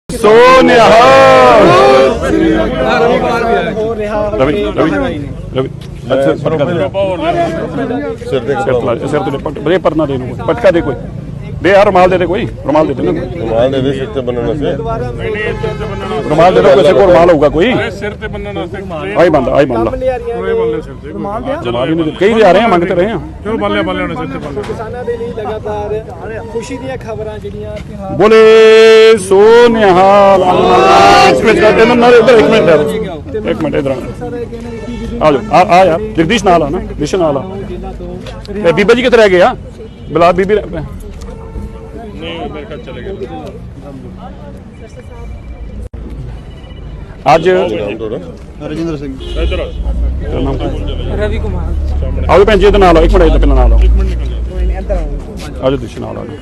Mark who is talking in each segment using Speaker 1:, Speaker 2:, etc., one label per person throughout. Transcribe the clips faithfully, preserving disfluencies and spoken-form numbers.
Speaker 1: सोनिया रवि रवि रवि सिर तो परना दे पटका दे कोई दे यार रुमाल दे दे कोई रुमाल दे दे
Speaker 2: रुमाल दे दे सिर ते बनना से
Speaker 1: रुमाल दे दो किसी को रुमाल होगा कोई
Speaker 3: सिर ते बनना से
Speaker 1: आई बंदा आई बंदा
Speaker 3: पूरे बल्ले सिर ते
Speaker 1: रुमाल दे कई भी आ रहे हैं मंगते रहे हैं
Speaker 3: चलो बल्ले बल्ले ने सिर ते बल्ले
Speaker 4: किसानां दे ਲਈ लगातार खुशी ਦੀਆਂ ਖਬਰਾਂ ਜਿਹੜੀਆਂ ਤਿਹਾਰ
Speaker 1: बोले सोनिहाल एक मिनट इधर एक मिनट एक मिनट इधर आ जाओ आ आ यार जगदीश नाल आ ना मिशन नाल आ बीबा जी किधर रह गए बिला बीबी
Speaker 3: नहीं मेरे ख्याल चले गए
Speaker 1: आज
Speaker 2: रजिंदर सिंह
Speaker 3: इधर
Speaker 4: ਰਵੀ ਕੁਮਾਰ
Speaker 1: आओ भैन जी इधर नाल आओ एक मिनट इधर पहले नाल आओ
Speaker 3: एक मिनट निकल जाओ
Speaker 1: आज दिश नाल आओ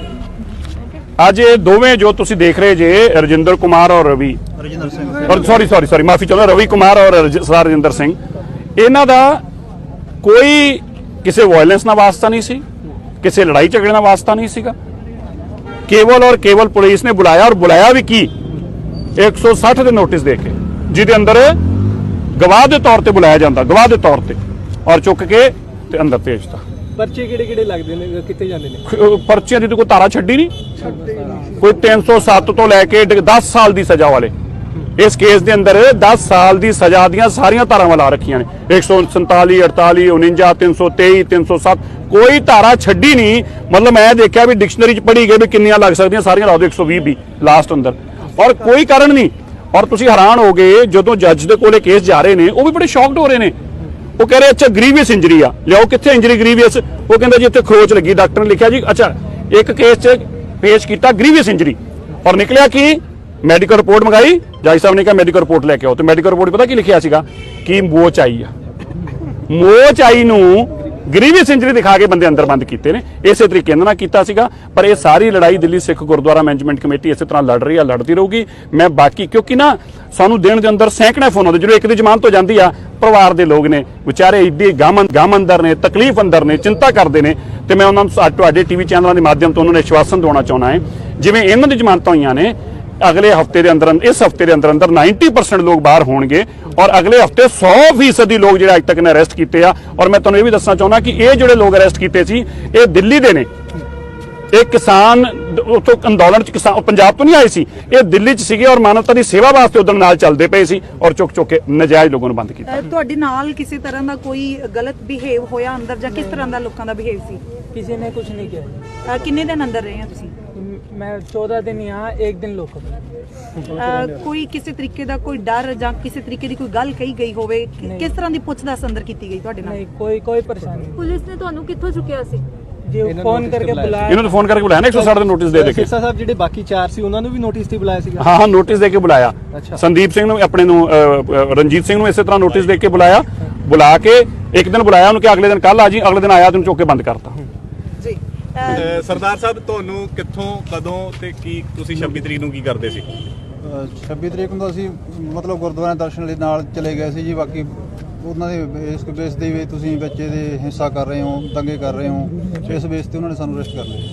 Speaker 1: ਅੱਜ ਇਹ ਦੋਵੇਂ ਜੋ ਤੁਸੀਂ ਦੇਖ ਰਹੇ ਜੇ ਰਜਿੰਦਰ ਕੁਮਾਰ ਔਰ ਰਵੀ
Speaker 2: रजिंदर सिंह
Speaker 1: ਔਰ ਸੌਰੀ ਸੌਰੀ ਸੌਰੀ ਮਾਫੀ ਚਾਹੁੰਦਾ ਰਵੀ ਕੁਮਾਰ ਔਰ ਰਜ- ਸਰਦਾਰ ਰਜਿੰਦਰ ਸਿੰਘ ਇਹਨਾਂ ਦਾ ਕੋਈ ਕਿਸੇ ਵਾਇਲੈਂਸ ਨਾਲ ਵਾਸਤਾ ਨਹੀਂ ਸੀ ਕਿਸੇ ਲੜਾਈ ਝਗੜੇ ਨਾਲ ਵਾਸਤਾ ਨਹੀਂ ਸੀਗਾ ਕੇਵਲ ਔਰ ਕੇਵਲ ਪੁਲਿਸ ਨੇ ਬੁਲਾਇਆ ਔਰ ਬੁਲਾਇਆ ਵੀ ਕੀ ਇੱਕ ਸੌ ਸੱਠ ਦੇ ਨੋਟਿਸ ਦੇ ਕੇ ਜਿਹਦੇ ਅੰਦਰ ਗਵਾਹ ਦੇ ਤੌਰ ਤੇ ਬੁਲਾਇਆ ਜਾਂਦਾ ਗਵਾਹ ਦੇ ਤੌਰ ਤੇ ਔਰ ਚੁੱਕ ਕੇ ਤੇ ਅੰਦਰ ਭੇਜਤਾ
Speaker 4: ਪਰਚੇ ਕਿਹੜੇ ਕਿਹੜੇ ਲੱਗਦੇ ਨੇ ਕਿੱਥੇ ਜਾਂਦੇ ਨੇ
Speaker 1: ਪਰਚੀਆਂ ਦੀ ਤਾਂ ਕੋਈ ਤਾਰਾ ਛੱਡੀ ਨਹੀਂ ਕੋਈ ਤਿੰਨ ਸੌ ਸੱਤ ਤੋਂ ਲੈ ਕੇ ਦਸ ਸਾਲ ਦੀ ਸਜ਼ਾ ਵਾਲੇ ਇਸ ਕੇਸ ਦੇ ਅੰਦਰ ਦਸ ਸਾਲ ਦੀ ਸਜ਼ਾ ਦੀਆਂ ਸਾਰੀਆਂ ਧਾਰਾਵਾਂ ਲਾ ਰੱਖੀਆਂ ਨੇ ਇੱਕ ਸੌ ਸੰਤਾਲੀ ਅੜਤਾਲੀ ਉਨੰਜਾ ਤਿੰਨ ਸੌ ਤੇਈ ਤਿੰਨ ਸੌ ਸੱਤ ਕੋਈ ਧਾਰਾ ਛੱਡੀ ਨਹੀਂ ਮਤਲਬ ਮੈਂ ਦੇਖਿਆ ਵੀ ਡਿਕਸ਼ਨਰੀ 'ਚ ਪੜ੍ਹੀ ਗਈ ਵੀ ਕਿੰਨੀਆਂ ਲੱਗ ਸਕਦੀਆਂ ਸਾਰੀਆਂ ਲਾ ਦਿਓ ਇੱਕ ਸੌ ਵੀਹ ਵੀ ਲਾਸਟ ਅੰਦਰ ਔਰ ਕੋਈ ਕਾਰਨ ਨਹੀਂ ਔਰ ਤੁਸੀਂ ਹੈਰਾਨ ਹੋ ਗਏ ਜਦੋਂ ਜੱਜ ਦੇ ਕੋਲੇ ਕੇਸ ਜਾ ਰਹੇ ਨੇ ਉਹ ਵੀ ਬੜੇ ਸ਼ੌਕਡ ਹੋ ਰਹੇ ਨੇ ਉਹ ਕਹ ਰਹੇ ਅੱਛਾ ਗ੍ਰੀਵੀਅਸ ਇੰਜਰੀ ਆ ਲਿਆਓ ਕਿੱਥੇ ਇੰਜਰੀ ਗ੍ਰੀਵੀਅਸ ਉਹ ਕਹਿੰਦਾ ਜੀ ਇੱਥੇ ਖਰੋਚ ਲੱਗੀ ਡਾਕਟਰ ਨੇ ਲਿਖਿਆ ਜੀ ਅੱਛਾ ਇੱਕ ਕੇਸ 'ਚ ਪੇਸ਼ ਕੀਤਾ ਗ੍ਰੀਵੀਅਸ ਇੰਜਰੀ ਔਰ ਨਿਕਲਿਆ ਕਿ ਮੈਡੀਕਲ ਰਿਪੋਰਟ ਮੰਗਾਈ ਜੱਜ ਸਾਹਿਬ ਨੇ ਕਿਹਾ ਮੈਡੀਕਲ ਰਿਪੋਰਟ ਲੈ ਕੇ ਆਓ ਤੇ ਮੈਡੀਕਲ ਰਿਪੋਰਟ ਪਤਾ ਕੀ ਲਿਖਿਆ ਸੀਗਾ ਕਿ ਮੋਚ ਆਈ ਆ ਮੋਚ ਆਈ ਨੂੰ ਗ੍ਰੀਵੀਅਸ ਇੰਜਰੀ ਦਿਖਾ ਕੇ ਬੰਦੇ ਅੰਦਰ ਬੰਦ ਕੀਤੇ ਨੇ ਇਸੇ ਤਰੀਕੇ ਨਾਲ ਕੀਤਾ ਸੀਗਾ ਪਰ ਇਹ ਸਾਰੀ ਲੜਾਈ ਦਿੱਲੀ ਸਿੱਖ ਗੁਰਦੁਆਰਾ ਮੈਨੇਜਮੈਂਟ ਕਮੇਟੀ ਇਸੇ ਤਰ੍ਹਾਂ ਲੜ ਰਹੀ ਆ ਲੜਦੀ ਰਹੂਗੀ ਮੈਂ ਬਾਕੀ ਕਿਉਂਕਿ ਨਾ ਸਾਨੂੰ ਦਿਨ ਦੇ ਅੰਦਰ ਸੈਂਕੜੇ ਫੋਨ ਆਉਂਦੇ ਜਦੋਂ ਇੱਕ ਦੀ ਜ਼ਮਾਨਤ ਹੋ ਜਾਂਦੀ ਆ ਪਰਿਵਾਰ ਦੇ ਲੋਕ ਨੇ ਵਿਚਾਰੇ ਇੱਡੀ ਗਮ ਗਮ ਅੰਦਰ ਨੇ ਤਕਲੀਫ ਅੰਦਰ ਨੇ ਚਿੰਤਾ ਕਰਦੇ ਨੇ ਤੇ ਮੈਂ ਉਹਨਾਂ ਨੂੰ ਤੁਹਾਡੇ ਟੀਵੀ ਚੈਨਲਾਂ ਦੇ ਮਾਧਿਅਮ ਤੋਂ ਉਹਨਾਂ ਨੂੰ ਆਸ਼ਵਾਸਨ ਦਿਵਾਉਣਾ ਚਾਹੁੰਦਾ ਹਾਂ ਜਿਵੇਂ ਇਹਨਾਂ ਦੀ ਜ਼ਮਾਨਤਾਂ ਹੋਈਆਂ ਨੇ ਅਗਲੇ ਹਫਤੇ ਦੇ ਅੰਦਰ ਇਸ ਹਫਤੇ ਦੇ ਅੰਦਰ ਅੰਦਰ ਨੱਬੇ ਪਰਸੈਂਟ ਲੋਕ ਬਾਹਰ ਹੋਣਗੇ ਔਰ ਅਗਲੇ ਹਫਤੇ ਸੌ ਫੀਸਦੀ ਲੋਕ ਜਿਹੜੇ ਅੱਜ ਤੱਕ ਨੇ ਅਰੈਸਟ ਕੀਤੇ ਆ ਔਰ ਮੈਂ ਤੁਹਾਨੂੰ ਇਹ ਵੀ ਦੱਸਣਾ ਚਾਹੁੰਦਾ ਕਿ ਇਹ ਜਿਹੜੇ ਲੋਕ ਅਰੈਸਟ ਕੀਤੇ ਸੀ ਇਹ ਦਿੱਲੀ ਦੇ ਨੇ ਇਹ ਕਿਸਾਨ ਉਤੋਂ ਅੰਦੋਲਨ ਚ ਕਿਸਾਨ ਪੰਜਾਬ ਤੋਂ ਨਹੀਂ ਆਏ ਸੀ ਇਹ ਦਿੱਲੀ ਚ ਸੀਗੇ ਔਰ ਮਾਨਵਤਾ ਦੀ ਸੇਵਾ ਵਾਸਤੇ ਉਦੋਂ ਨਾਲ ਚੱਲਦੇ ਪਏ ਸੀ ਔਰ ਚੁੱਕ ਚੁੱਕ ਕੇ ਨਜਾਇਜ਼ ਲੋਕਾਂ ਨੂੰ ਬੰਦ ਕੀਤਾ
Speaker 5: ਤੁਹਾਡੇ ਨਾਲ ਕਿਸੇ ਤਰ੍ਹਾਂ ਦਾ ਕੋਈ ਗਲਤ ਬਿਹੇਵ ਹੋਇਆ ਅੰਦਰ ਜਾਂ ਕਿਸ ਤਰ੍ਹਾਂ ਦਾ ਲੋਕਾਂ ਦਾ ਬਿਹੇਵ ਸੀ
Speaker 4: ਕਿਸੇ ਨੇ ਕੁਝ ਨਹੀਂ ਕਿਹਾ
Speaker 5: ਕਿੰਨੇ ਦਿਨ ਅੰਦਰ ਰਹੇ ਆ ਤੁਸੀਂ
Speaker 4: ਮੈਂ ਚੌਦਾਂ ਦਿਨ यहाँ एक दिन लोकल
Speaker 5: ਕੋਈ ਕਿਸੇ ਤਰੀਕੇ ਦਾ ਕੋਈ ਡਰ ਜਾਂ ਕਿਸੇ ਤਰੀਕੇ ਦੀ ਕੋਈ ਗੱਲ ਕਹੀ ਗਈ ਹੋਵੇ ਕਿਸ ਤਰ੍ਹਾਂ ਦੀ ਪੁੱਛਦਾਸ ਅੰਦਰ ਕੀਤੀ ਗਈ ਤੁਹਾਡੇ ਨਾਲ
Speaker 4: नहीं कोई कोई परेशानी
Speaker 6: ਪੁਲਿਸ ਨੇ ਤੁਹਾਨੂੰ ਕਿੱਥੋਂ ਚੁੱਕਿਆ ਸੀ
Speaker 4: जी फोन करके बुलाया
Speaker 1: ਇਹਨਾਂ ਨੂੰ ਫੋਨ ਕਰਕੇ ਬੁਲਾਇਆ ਨਾ ਇੱਕ ਸੌ ਸੱਠ ਦੇ ਨੋਟਿਸ ਦੇ ਦੇ ਕੇ
Speaker 4: ਸਿਰਸਾ ਸਾਹਿਬ ਜਿਹੜੇ ਬਾਕੀ ਚਾਰ ਸੀ ਉਹਨਾਂ ਨੂੰ ਵੀ ਨੋਟਿਸ ਤੇ ਬੁਲਾਇਆ ਸੀਗਾ
Speaker 1: ਹਾਂ ਹਾਂ ਨੋਟਿਸ ਦੇ ਕੇ ਬੁਲਾਇਆ
Speaker 4: ਅੱਛਾ।
Speaker 1: ਸੰਦੀਪ ਸਿੰਘ ਨੂੰ ਆਪਣੇ ਨੂੰ ਅ, ਅ, ਰਣਜੀਤ ਸਿੰਘ ਨੂੰ ਇਸੇ ਤਰ੍ਹਾਂ ਨੋਟਿਸ ਦੇ ਕੇ ਬੁਲਾਇਆ ਬੁਲਾ ਕੇ ਇੱਕ ਦਿਨ ਬੁਲਾਇਆ ਉਹਨੂੰ ਕਿ ਅਗਲੇ ਦਿਨ ਕੱਲ ਆ ਜੀ ਅਗਲੇ ਦਿਨ ਆਇਆ ਤੈਨੂੰ ਚੁੱਕ ਕੇ ਬੰਦ ਕਰਤਾ
Speaker 5: ਜੀ
Speaker 7: ਸਰਦਾਰ ਸਾਹਿਬ ਤੁਹਾਨੂੰ ਕਿੱਥੋਂ ਕਦੋਂ ਤੇ ਕੀ ਤੁਸੀਂ ਛੱਬੀ ਤਰੀਕ ਨੂੰ ਕੀ ਕਰਦੇ ਸੀ
Speaker 2: ਛੱਬੀ ਤਰੀਕ ਨੂੰ ਅਸੀਂ ਮਤਲਬ ਗੁਰਦੁਆਰੇ ਦਰਸ਼ਨ ਲਈ ਨਾਲ ਚਲੇ ਗਏ ਸੀ ਜੀ ਬਾਕੀ ਉਹਨਾਂ ਦੇ ਇਸ ਬੇਸ ਦੇ ਵੀ ਤੁਸੀਂ ਬੱਚੇ ਦੇ ਹਿੱਸਾ ਕਰ ਰਹੇ ਹੋ ਦੰਗੇ ਕਰ ਰਹੇ ਹੋ ਇਸ ਬੇਸ ਤੇ ਉਹਨਾਂ ਨੇ ਸਾਨੂੰ ਅਰੈਸਟ ਕਰ ਲਿਆ